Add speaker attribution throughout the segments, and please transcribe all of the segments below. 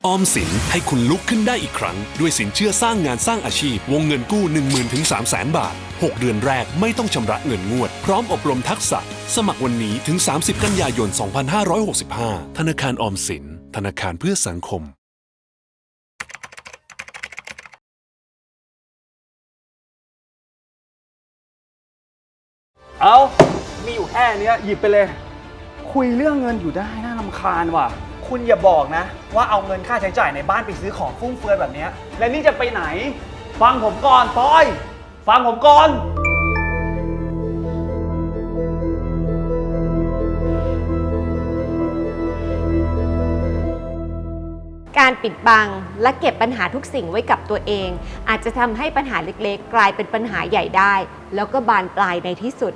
Speaker 1: ออมสินให้คุณลุกขึ้นได้อีกครั้งด้วยสินเชื่อสร้างงานสร้างอาชีพวงเงินกู้ 10,000 ถึง 300,000 บาท 6 เดือนแรกไม่ต้องชำระเงินงวดพร้อมอบรมทักษะสมัครวันนี้ถึง 30 กันยายน 2565 ธนาคารออมสินธนาคารเพื่อสังคม
Speaker 2: เอามีอยู่แค่นี้หยิบไปเลยคุยเรื่องเงินอยู่ได้น่ารำคาญว่ะคุณอย่าบอกนะว่าเอาเงินค่าใช้จ่ายในบ้านไปซื้อของฟุ่มเฟือยแบบนี้และนี่จะไปไหนฟังผมก่อนปอยฟังผมก่อน
Speaker 3: การปิดบังและเก็บปัญหาทุกสิ่งไว้กับตัวเอง อาจจะทำให้ปัญหาเล็กๆกลายเป็นปัญหาใหญ่ได้แล้วก็บานปลายในที่สุด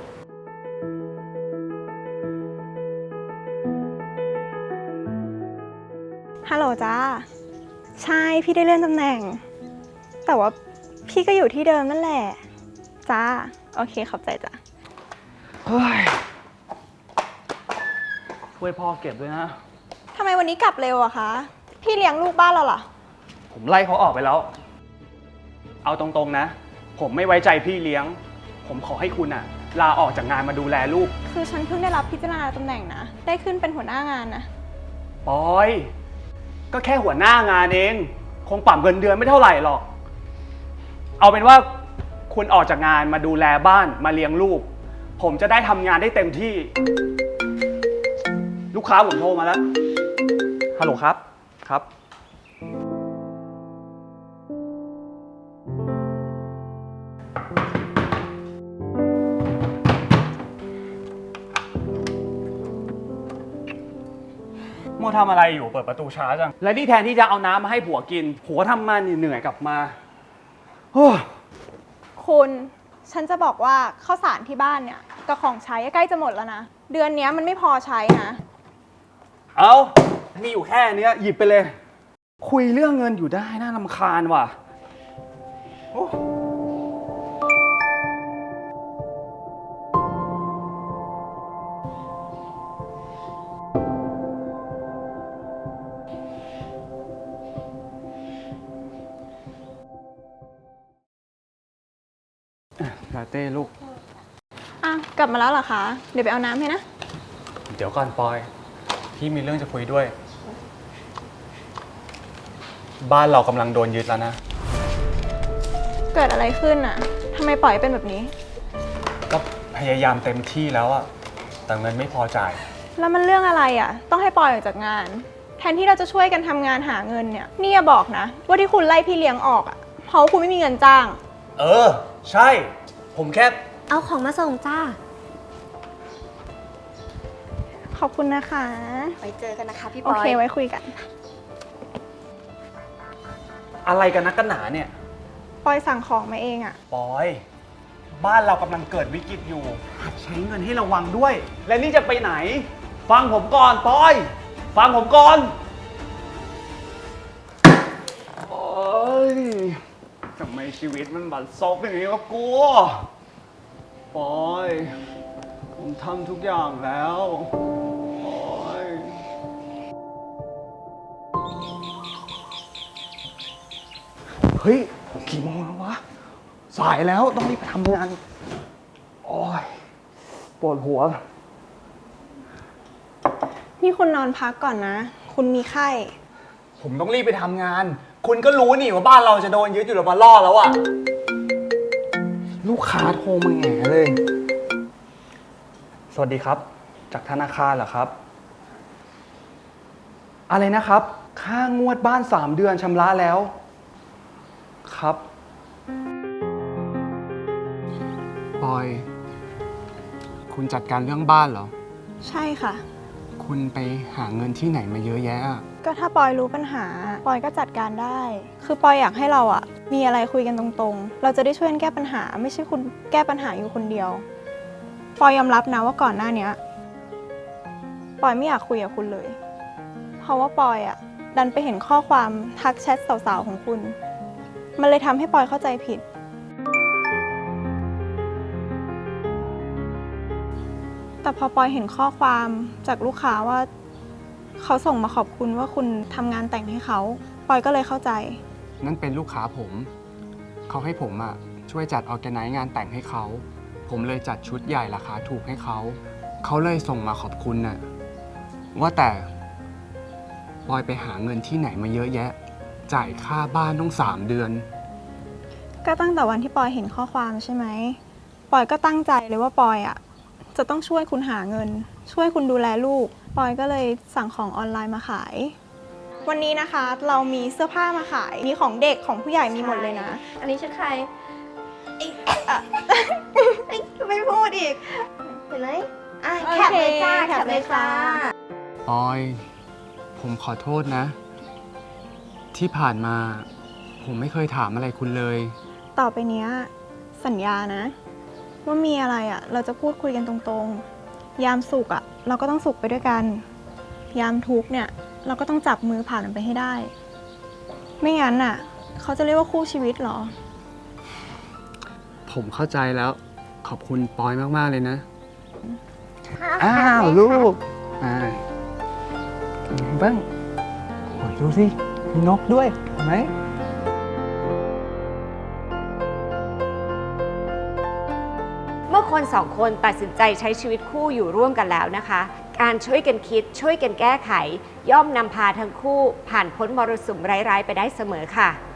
Speaker 4: ฮัลโหลจ้าใช่พี่ได้เลื่อนตำแหน่งแต่ว่าพี่ก็อยู่ที่เดิมนั่นแหละจ้าโอเคขอบใจจ้ะ
Speaker 2: เฮ้ยช่วยพ่อเก็บด้วยนะ
Speaker 4: ทำไมวันนี้กลับเร็วอะคะพี่เลี้ยงลูกบ้านเราเหรอ
Speaker 2: ผมไล่เขาออกไปแล้วเอาตรงๆนะผมไม่ไว้ใจพี่เลี้ยงผมขอให้คุณอะลาออกจากงานมาดูแลลูก
Speaker 4: คือฉันเพิ่งได้รับพิจารณาตำแหน่งนะได้ขึ้นเป็นหัวหน้างานนะ
Speaker 2: ปอยก็แค่หัวหน้างานเองคงปรับเงินเดือนไม่เท่าไหร่หรอกเอาเป็นว่าคุณออกจากงานมาดูแลบ้านมาเลี้ยงลูกผมจะได้ทำงานได้เต็มที่ลูกค้าผมโทรมาแล้วฮัลโหลครับครับโมทำอะไรอยู่เปิดประตูช้าจังและนี่แทนที่จะเอาน้ำมาให้ผัวกินผัวทำมาเหนื่อยกลับมา
Speaker 4: คุณฉันจะบอกว่าข้าวสารที่บ้านเนี่ยกับของใช้ใกล้จะหมดแล้วนะเดือนนี้มันไม่พอใช้นะ
Speaker 2: เอามีอยู่แค่นี้หยิบไปเลยคุยเรื่องเงินอยู่ได้น่ารำคาญว่ะลาเต้ลูก
Speaker 4: กลับมาแล้วเหรอคะเดี๋ยวไปเอาน้ำให้นะ
Speaker 2: เดี๋ยวก่อนปอยพี่มีเรื่องจะคุยด้วยบ้านเรากำลังโดนยึดแล้วนะ
Speaker 4: เกิดอะไรขึ้นอ่ะทำไมปล่อยเป็นแบบนี้
Speaker 2: ก็พยายามเต็มที่แล้วอะแต่เงินไม่พอจ่าย
Speaker 4: แล้วมันเรื่องอะไรอ่ะต้องให้ปล่อยออกจากงานแทนที่เราจะช่วยกันทำงานหาเงินเนี่ยนี่อย่าบอกนะว่าที่คุณไล่พี่เลี้ยงออกอ่ะเพราะคุณไม่มีเงินจ้าง
Speaker 2: ใช่ผมแค่
Speaker 3: เอาของมาส่งจ้า
Speaker 4: ขอบคุณนะคะ
Speaker 3: ไว้เจอกันนะคะพี่ปอย
Speaker 4: โอเคไว้คุยกัน
Speaker 2: อะไรกันนักกันหนาเนี่ย
Speaker 4: ปอยสั่งของมาเองอะ
Speaker 2: ปอยบ้านเรากำลังเกิดวิกฤตอยู่ใช้เงินให้ระวังด้วยและนี่จะไปไหนฟังผมก่อนปอยฟังผมก่อนโอ๊ยทำไมชีวิตมันบัดซบอย่างนี้วะกูปอยผมทำทุกอย่างแล้วปอยเฮ้ยกี่โมงแล้ววะสายแล้วต้องรีบไปทำงานโอ้ยปวดหัว
Speaker 4: นี่คุณนอนพักก่อนนะคุณมีไข้
Speaker 2: ผมต้องรีบไปทำงานคุณก็รู้นี่ว่าบ้านเราจะโดนยึดอยู่แล้วมาล่อแล้วอะลูกค้าโทรมาแง่เลยสวัสดีครับจากธนาคารเหรอครับอะไรนะครับค่างวดบ้าน3 เดือนชำระแล้วครับปอยคุณจัดการเรื่องบ้านเหรอ
Speaker 4: ใช่ค่ะ
Speaker 2: คุณไปหาเงินที่ไหนมาเยอะแยะ
Speaker 4: ก็ถ้าปอยรู้ปัญหาปอยก็จัดการได้คือปอยอยากให้เราอะมีอะไรคุยกันตรงๆเราจะได้ช่วยกันแก้ปัญหาไม่ใช่คุณแก้ปัญหาอยู่คนเดียวปอยยอมรับนะว่าก่อนหน้านี้ปอยไม่อยากคุยกับคุณเลยเพราะว่าปอยอะดันไปเห็นข้อความทักแชทสาวๆของคุณมันเลยทำให้ปอยเข้าใจผิดแต่พอปอยเห็นข้อความจากลูกค้าว่าเขาส่งมาขอบคุณว่าคุณทำงานแต่งให้เขาปอยก็เลยเข้าใจ
Speaker 5: นั่นเป็นลูกค้าผม เขาให้ผมช่วยจัดออแกไนซ์งานแต่งให้เขา ผมเลยจัดชุดใหญ่ราคาถูกให้เขา เขาเลยส่งมาขอบคุณน่ะ ว่าแต่ปอยไปหาเงินที่ไหนมาเยอะแยะ จ่ายค่าบ้านต้อง3 เดือน
Speaker 4: ก็ตั้งแต่วันที่ปอยเห็นข้อความใช่ไหมปอยก็ตั้งใจเลยว่าปอยจะต้องช่วยคุณหาเงิน ช่วยคุณดูแลลูกปอยก็เลยสั่งของออนไลน์มาขาย วันนี้นะคะเรามีเสื้อผ้ามาขายมีของเด็กของผู้ใหญ่มีหมดเลยนะ
Speaker 3: อันนี้ชุดใครไม่พูดอีก เห็นไหมแคปเลยจ้าแคปเลยจ้า
Speaker 5: ปอย ผมขอโทษนะ ที่ผ่านมาผมไม่เคยถามอะไรคุณเลย
Speaker 4: ต่อไปเนี้ยสัญญานะ ว่ามีอะไรเราจะพูดคุยกันตรงๆ ยามสุขเราก็ต้องสุขไปด้วยกัน ยามทุกข์เนี่ยเราก็ต้องจับมือผ่านมันไปให้ได้ ไม่งั้นเขาจะเรียกว่าคู่ชีวิตเหรอ
Speaker 5: ผมเข้าใจแล้ว ขอบคุณปอยมาก ๆ เลยนะ
Speaker 2: อ้าวลูก
Speaker 5: อ่า
Speaker 2: บ้างโอ้ยดูสิมีนกด้วยเห็นไหม
Speaker 3: เมื่อคนสองคนตัดสินใจใช้ชีวิตคู่อยู่ร่วมกันแล้วนะคะ การช่วยกันคิดช่วยกันแก้ไข ย่อมนำพาทั้งคู่ผ่านพ้นมรสุมร้ายๆไปได้เสมอค่ะ